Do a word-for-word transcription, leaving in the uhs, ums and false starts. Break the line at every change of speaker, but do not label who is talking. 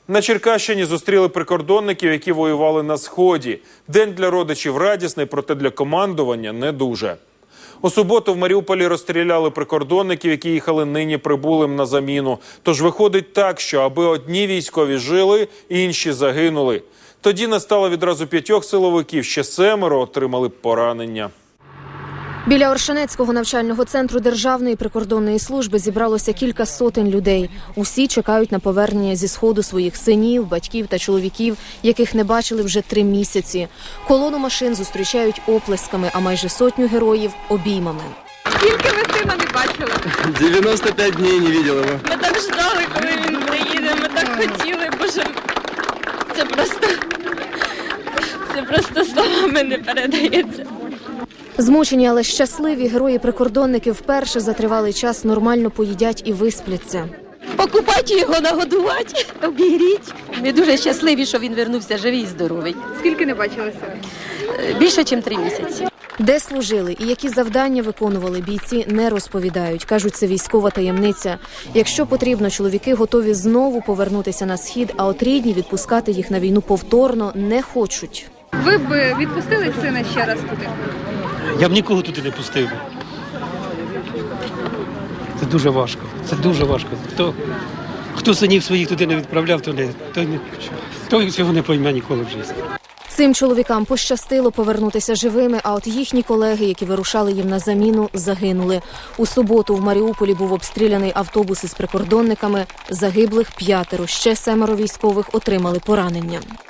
На Черкащині зустріли прикордонників, які воювали на Сході. День для родичів радісний, проте для командування не дуже. У суботу в Маріуполі розстріляли прикордонників, які їхали нині прибулим на заміну. Тож виходить так, що аби одні військові жили, інші загинули. Тоді настало відразу п'ятьох силовиків, ще семеро отримали поранення.
Біля Оршанецького навчального центру Державної прикордонної служби зібралося кілька сотень людей. Усі чекають на повернення зі Сходу своїх синів, батьків та чоловіків, яких не бачили вже три місяці. Колону машин зустрічають оплесками, а майже сотню героїв – обіймами.
Скільки ви сина не бачили?
дев'яносто п'ять днів не бачили його.
Ми так ждали, коли він приїде, ми так хотіли, боже, це просто, це просто словами не передається.
Змучені, але щасливі герої-прикордонники вперше за тривалий час нормально поїдять і виспляться.
Покупати його, нагодувати, обігріть. Ми дуже щасливі, що він вернувся живий і здоровий.
Скільки не бачили сина?
Більше, ніж три місяці.
Де служили і які завдання виконували, бійці не розповідають. Кажуть, це військова таємниця. Якщо потрібно, чоловіки готові знову повернутися на Схід, а от рідні відпускати їх на війну повторно не хочуть.
Ви б відпустили сина ще раз туди?
Я б нікого туди не пустив би. Це дуже важко. Це дуже важко. Хто, хто синів своїх туди не відправляв, то, не, то, не, то цього не пойме ніколи в житті.
Цим чоловікам пощастило повернутися живими, а от їхні колеги, які вирушали їм на заміну, загинули. У суботу в Маріуполі був обстріляний автобус із прикордонниками. Загиблих п'ятеро, ще семеро військових отримали поранення.